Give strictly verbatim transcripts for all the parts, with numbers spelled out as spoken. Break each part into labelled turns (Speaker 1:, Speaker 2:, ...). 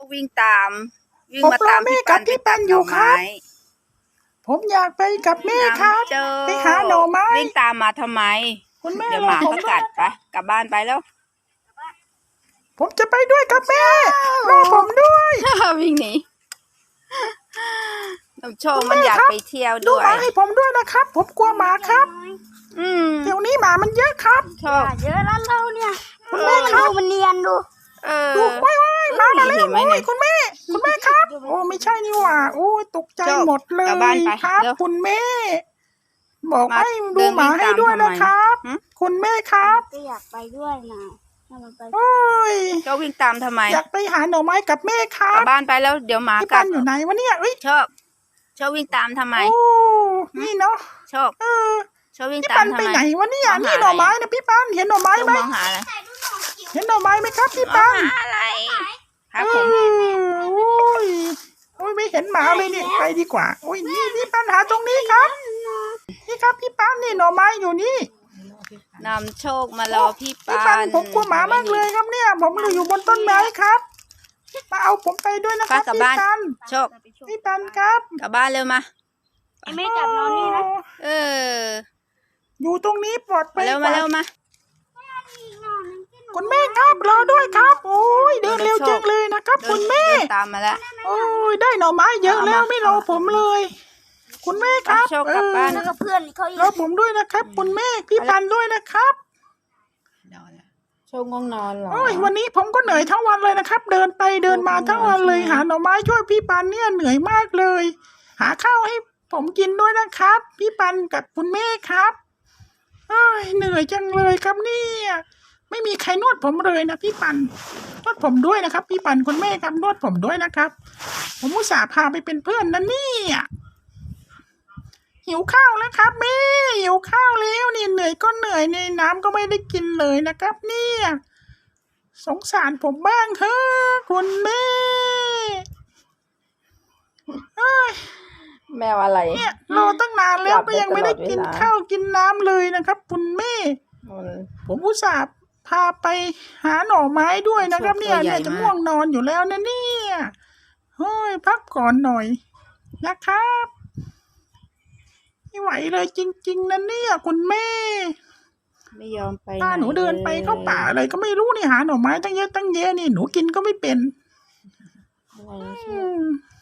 Speaker 1: วิ่งตามวิ่ง
Speaker 2: ผม
Speaker 1: มาร
Speaker 2: อ
Speaker 1: ตาม
Speaker 2: แม่
Speaker 1: พี่
Speaker 2: กั
Speaker 1: ปั
Speaker 2: บ
Speaker 1: น
Speaker 2: พี่
Speaker 1: ไป
Speaker 2: ปั
Speaker 1: ตั
Speaker 2: น
Speaker 1: ด
Speaker 2: อ
Speaker 1: หน่
Speaker 2: ยู่
Speaker 1: อ
Speaker 2: ครั
Speaker 1: ไม้
Speaker 2: บ ผมอยากไปกับแม่
Speaker 1: น้
Speaker 2: ครับ
Speaker 1: ำเจอ
Speaker 2: ไปหาหน่อไม้
Speaker 1: วิ่งตามมาทำไม
Speaker 2: คุณแม่
Speaker 1: เดี๋ยว
Speaker 2: ร
Speaker 1: ห
Speaker 2: อ
Speaker 1: มา
Speaker 2: ผม
Speaker 1: ก็
Speaker 2: ด้ว
Speaker 1: กั
Speaker 2: ย
Speaker 1: ด
Speaker 2: นะค
Speaker 1: ไป
Speaker 2: รับ
Speaker 1: กลับบ้านไปแล้ว
Speaker 2: ผมจะไปด้วยครับแม่รอผมด้วย
Speaker 1: วิ่งหนีน้ำโชค
Speaker 2: คุณ
Speaker 1: มัน
Speaker 2: แม่
Speaker 1: อยาก
Speaker 2: ครับ
Speaker 1: ไปเที่ยว
Speaker 2: ดู
Speaker 1: ด้ว
Speaker 2: หมาย ให้ผมด้วยนะครับ ผมกลัวหมาครับ
Speaker 1: อืม
Speaker 2: เดี๋ยวนี้หมามันเยอะครับ
Speaker 1: โชค
Speaker 3: เยอะแล้วเราเนี่ย
Speaker 2: คุณแม่ค
Speaker 3: ดู
Speaker 2: รับ
Speaker 3: มันเนียนดู
Speaker 1: เออ
Speaker 2: ดูว้ายว้ายหมามาแล้ว
Speaker 1: เห็นไหม
Speaker 2: โอ้
Speaker 1: เนี่ย
Speaker 2: ยคุณแม่ คุณแม่ครับ โอ้ไม่ใช่นี่หว่าโอ้ยตกใจ
Speaker 1: โชค
Speaker 2: หมดเล
Speaker 1: กลับบ้าน
Speaker 2: ย
Speaker 1: ไป
Speaker 2: ครับ
Speaker 1: เร็ว
Speaker 2: คุณแม่ บอก
Speaker 1: มา
Speaker 2: ให้ดู
Speaker 1: เดิน
Speaker 2: หมา
Speaker 1: วิ่ง
Speaker 2: ให้
Speaker 1: ตาม
Speaker 2: ด้วย
Speaker 1: ทำไม
Speaker 2: นะครับ
Speaker 1: หึ
Speaker 2: คุณแม่ครับ
Speaker 3: ก็อยากไปด้วยนะถ้ามันไป
Speaker 2: โอ้ย
Speaker 1: โชควิ่งตามทำไม
Speaker 2: อยากไปหาหน่อไม้กับแม่ครั
Speaker 1: กลับบ บ้านไปแล้วเดี๋ยวหมา
Speaker 2: พี่
Speaker 1: กั
Speaker 2: ปั
Speaker 1: ด
Speaker 2: นอยู่ไหนวะเนี่ยเอ้ย
Speaker 1: โชคโชควิ่งตามทำไม
Speaker 2: โอ้นี่เนาะ
Speaker 1: โชค
Speaker 2: เออ
Speaker 1: โชควิ่ง
Speaker 2: พี่
Speaker 1: ตา
Speaker 2: ปั
Speaker 1: ม
Speaker 2: น
Speaker 1: ทำ
Speaker 2: ไป
Speaker 1: ไม
Speaker 2: ไหนวะเนี่ย
Speaker 1: มองหา
Speaker 2: นี่หน่อไม้
Speaker 1: อะไร
Speaker 2: นะพี่ปันเห็นหน่อไม้
Speaker 1: โชค
Speaker 2: ไหม
Speaker 1: มองหาอะไร
Speaker 2: เห็นหน่อไม้ไหมครับพี่
Speaker 1: มอ
Speaker 2: ปั
Speaker 1: ง
Speaker 2: น
Speaker 1: หาอะไรครับ
Speaker 2: เอ
Speaker 1: ผม
Speaker 2: อโอ้ยโอ้ยไม่เห็นหมาเลยนี่ไปดีกว่าโอ้ยนี่พี่ปันหาตรงนี้ครับนี่ครับพี่ปันนี่หน่อไม้อยู่นี่
Speaker 1: นำโชคมารอพี่
Speaker 2: พี่
Speaker 1: ปั
Speaker 2: ปัน
Speaker 1: น
Speaker 2: ผมกลัวหมามากเลยครับเนี่ย ผมเลยอยู่บนต้นไม้ครับมาเอาผมไปด้วยนะค
Speaker 1: ป้า
Speaker 2: รับ
Speaker 1: กลับ
Speaker 2: พี่
Speaker 1: บ้าน
Speaker 2: ปัน
Speaker 1: โชค
Speaker 2: พี่ปันครับ
Speaker 1: กลับบ้านเร็วมา
Speaker 3: ไอ้ไม่จับนอนนี่นะ
Speaker 1: เออ
Speaker 2: อยู่ตรงนี้ปลอดภั
Speaker 1: มาย เร็วมาเร็ว
Speaker 2: กว่า
Speaker 1: มา
Speaker 2: คุณแม่ครับรอด้วยครับ โอ้ยเดินเร็วจังเลยนะครับ
Speaker 1: เดิ
Speaker 2: คุ
Speaker 1: น
Speaker 2: ณแม่
Speaker 1: เดินตามมาแล้ว
Speaker 2: โอ้ยได้หน่อไม้เยอะแล้วไม่รอผมเลย คุณแม่ครับ
Speaker 1: โชคกลับบ้าน
Speaker 2: เอ
Speaker 3: แล้
Speaker 2: อ
Speaker 3: วก็เพื่อนเขาอีก
Speaker 2: รอผมด้วยนะครับ คุณแม่พี่ปันด้วยนะครับ
Speaker 1: โชคง่วงนอนหรอ
Speaker 2: โอ้ยวันนี้ผมก็เหนื่อยทั้งวันเลยนะครับ เดินไปเดินมาทั้งวันเลย
Speaker 1: ใช่ไหม
Speaker 2: หาหน่อไม้ช่วยพี่ปันเนี่ยเหนื่อยมากเลย หาข้าวให้ผมกินด้วยนะครับ พี่ปันกับคุณแม่ครับเอ้ยเหนื่อยจังเลยครับเนี่ยไม่มีใครนวดผมเลยนะพี่ปันนวดผมด้วยนะครับ พี่ปันคุณแม่ครับนวดผมด้วยนะครับ ผมอุตส่าห์พาไปเป็นเพื่อนนะเนี่ยหิวข้าวแล้วครับแม่หิวข้าวแล้วนี่เหนื่อยก็เหนื่อยในน้ำก็ไม่ได้กินเลยนะครับ เนี่ยสงสารผมบ้างเถอะคุณแม่เอ้ย
Speaker 1: แมวอะไร
Speaker 2: เนี่ยรอตั้งนานแล้วก็ยังไม่ได้กินข้าวกินน้ำเลยนะครับ คุณแม่ ผมอุตส่าห์พาไปหาหน่อไม้ด้วยนะครับ เนี่ยเนี่ยจะง่วงนอนอยู่แล้วนะเนี่ยเฮ้ยพักก่อนหน่อยนะครับไม่ไหวเลยจริงๆนะเนี่ยคุณแม่
Speaker 1: ไม่ยอมไป
Speaker 2: ถ้าหนูเดินไปเข้าป่าอะไรก็ไม่รู้นี่หาหน่อไม้ตั้งเยอะตั้งแยะนี่หนูกินก็ไม่เป็นอืม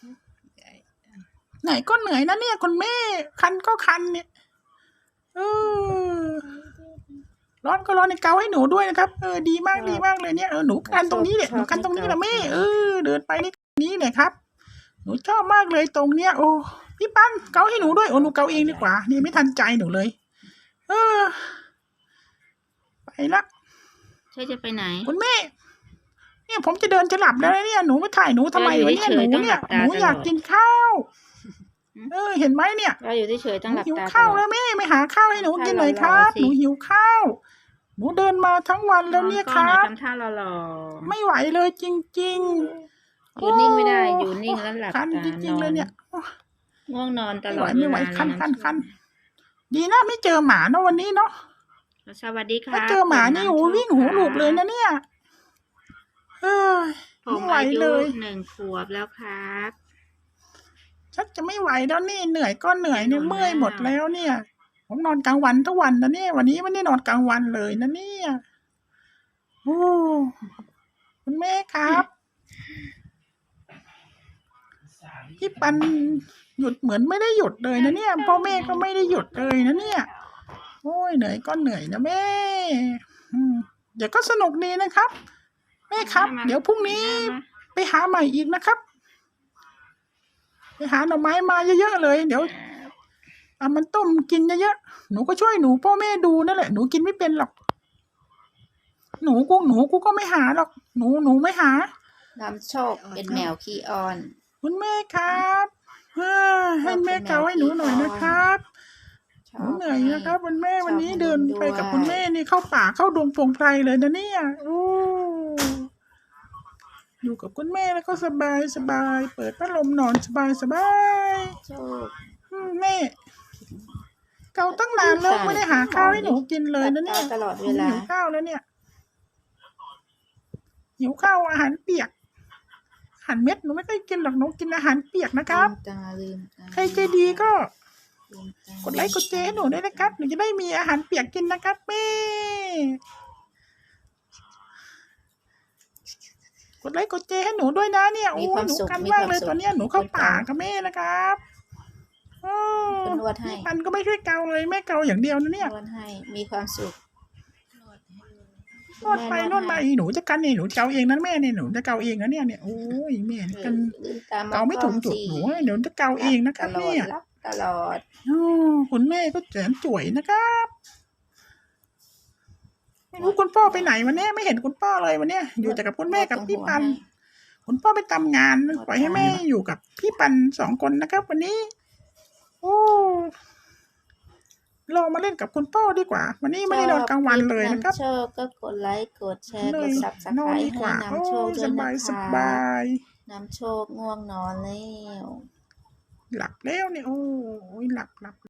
Speaker 2: ไหนก็เหนื่อยนะเนี่ยคุณแม่ คันก็คันเนี่ยเออร้อนก็ร้อนในเกาให้หนูด้วยนะครับเออดีมากดีมากเลยเนี่ยเออหนูคันตรงนี้เนี่ยหนูคันตรงนี้แหละแม่เออเดินไปนี่นี้เนี่ยครับ หนูชอบมากเลยตรงเนี้ยโอ้พี่ปั้นเกาให้หนูด้วยโอ้หนูเกาเองดีกว่านี่ไม่ทันใจหนูเลย เออไปละ
Speaker 1: เธอจะไปไหน
Speaker 2: คุณแม่เนี่ยผมจะเดินจะหลับแล้วนะเนี่ยหนูไม่ถ่ายหนูทำไมวะเนี่ยหนูเนี่ยหนูอยากกินข้าวเออเห็นไหมเนี่ย
Speaker 1: เราอยู่เฉยๆ
Speaker 2: ห
Speaker 1: ต้อง
Speaker 2: นู
Speaker 1: หลับ
Speaker 2: หิว
Speaker 1: ตา
Speaker 2: ข้าว
Speaker 1: ตลอด
Speaker 2: แล้วแม่ไม่หาข้าวให้หนูกินหน่อยครับ
Speaker 1: ให้
Speaker 2: หนู
Speaker 1: เรารอสิ
Speaker 2: หิวข้าวหนูเดินมาทั้งวันแล้วเนี่ยครับ
Speaker 1: ทำท่าหล่อ
Speaker 2: ไม่ไหวเลยจริง
Speaker 1: ๆอยู่นิ่งไม่ได้อยู่นิ่งแล้วหลับ
Speaker 2: ๆคัน
Speaker 1: ตา
Speaker 2: จริงๆเลยเนี่ย
Speaker 1: ง่วงนอนต
Speaker 2: ไม่
Speaker 1: ล
Speaker 2: ไหว
Speaker 1: อด
Speaker 2: ไม่ไหว
Speaker 1: เวลา
Speaker 2: คันคันคันดีนะไม่เจอหมาเนาะวันนี้เนาะ
Speaker 1: สวัสดีค่ะ
Speaker 2: ถ้าเจอหมานี่โอ้วิ่งหูหลูบเลยนะเนี่ยเฮ้ย
Speaker 1: ผม
Speaker 2: ไม่ไหว
Speaker 1: อายุ
Speaker 2: เลย
Speaker 1: หนึ่งขวบแล้วครับ
Speaker 2: ชักจะไม่ไหวแล้วนี่เหนื่อยก็เหนื่อยเนี่ย
Speaker 1: ไม่
Speaker 2: เมื่อย
Speaker 1: ไหว
Speaker 2: หมดแล้วเนี่ย ผมนอนกลางวันทุกวันนะเนี่ยวันนี้ไม่ได้นอนกลางวันเลยนะเนี่ยโอ้คุณแม่ครับพี่ปันหยุดเหมือนไม่ได้หยุดเลยนะเนี่ยพ่อแม่ก็ไม่ได้หยุดเลยนะเนี่ยโอ้ยเหนื่อยก็เหนื่อยนะแม่อืมเดี๋ยวก็สนุกดีนะครับ แม่ครับ เดี๋ยวพรุ่งนี้ไปหาใหม่อีกนะครับไปหาหน่อไม้มาเยอะๆเลยเดี๋ยวเอามันต้มกินเยอะๆหนูก็ช่วยหนูพ่อแม่ดูนั่นแหละหนูกินไม่เป็นหรอกหนูกูหนูกูก็ไม่หาหรอกหนูหนูไม่หา
Speaker 1: น้ำโชคเป็นแมวขี้อ้อน
Speaker 2: คุณแม่ครับเฮ้ยให้แม่เกาให้หนูหน่อยนะครับหนูเหนื่อยนะครับคุณแม่วันนี้เดินไปกับคุณแม่นี่เข้าป่าเข้าดงพงไพรเลยนะเนี่ยโอ้อยู่กับคุณแม่แล้วก็สบายสบายเปิดพัดลมนอนสบายสบาย
Speaker 1: โชค
Speaker 2: อืมแม่เกาตั้งนานแล้วไม่ได้หาข้าวให้หนูกินเลยนะเนี่ย
Speaker 1: ตลอดเวลา
Speaker 2: หิวข้าวแล้วเนี่ยหิวข้าวอาหารเปียกอาหารเม็ดหนูไม่ค่อยกินหรอกหนูกินอาหารเปียกนะครับ
Speaker 1: ลืมตาลืมตา
Speaker 2: ใครใจดีก็
Speaker 1: ลืมตาก
Speaker 2: ดไลค์กดแชร์ให้หนูด้วยนะครับหนูจะได้มีอาหารเปียกกินนะครับแม่กดไลค์กดแชร์ให้หนูด้วยนะเนี่ยโอ้
Speaker 1: มีความ
Speaker 2: หนู
Speaker 1: สุข
Speaker 2: กัน
Speaker 1: มี
Speaker 2: มาก
Speaker 1: ความ
Speaker 2: เลย
Speaker 1: สุข
Speaker 2: ตอนเนี้ยหนูเข้าป่ากับแม่นะครับโอ้
Speaker 1: เป็นนวดให้
Speaker 2: พี่ปันก็ไม่ช่วยเกาเลยแม่เกาอย่างเดียวนะเนี่ย
Speaker 1: นวดให้มีความสุข
Speaker 2: นวดไปนวดมาอีหนูจะกันเนี่ยหนูเกาเองนะแม่เนี่ยหนูจะเกาเองนะเนี่ยเนี่ยโอ้ยแม่นี่กัน
Speaker 1: ลืมตา
Speaker 2: เกาไม่ถูกจุดหนูเดี๋ยวจะเกาเองนะครับ
Speaker 1: ตลอด
Speaker 2: เนี่ย
Speaker 1: รับตลอด
Speaker 2: โอ้คุณแม่ก็แสนสวยนะครับไม่รู้คุณพ่อไปไหนวันนี้ไม่เห็นคุณพ่อเลยวันเนี้ยอยู่แต่กับคุณแม่กับพี่ปัน คุณพ่อไปทำงานปล่อยให้แม่อยู่กับพี่ปันสองคนนะครับ วันนี้ โอ้เรามาเล่นกับคุณพ่อดีกว่า วันนี้ไม่ได้นอนกลางวันเลยนะครับ
Speaker 1: ชอบก็กดไลค์กดแชร์
Speaker 2: เล
Speaker 1: ก
Speaker 2: ย
Speaker 1: ดซับส
Speaker 2: น
Speaker 1: ไค
Speaker 2: อน
Speaker 1: ร
Speaker 2: ดี
Speaker 1: ต์
Speaker 2: กว่า
Speaker 1: ให้
Speaker 2: โอ้
Speaker 1: นำโชคด้
Speaker 2: ส
Speaker 1: วย
Speaker 2: บา
Speaker 1: นะ
Speaker 2: ยส
Speaker 1: คะ
Speaker 2: บาย
Speaker 1: นำโชคง่วงนอนแล้ว
Speaker 2: หลับแล้วเนี่ยโอ้ยหลับหลับ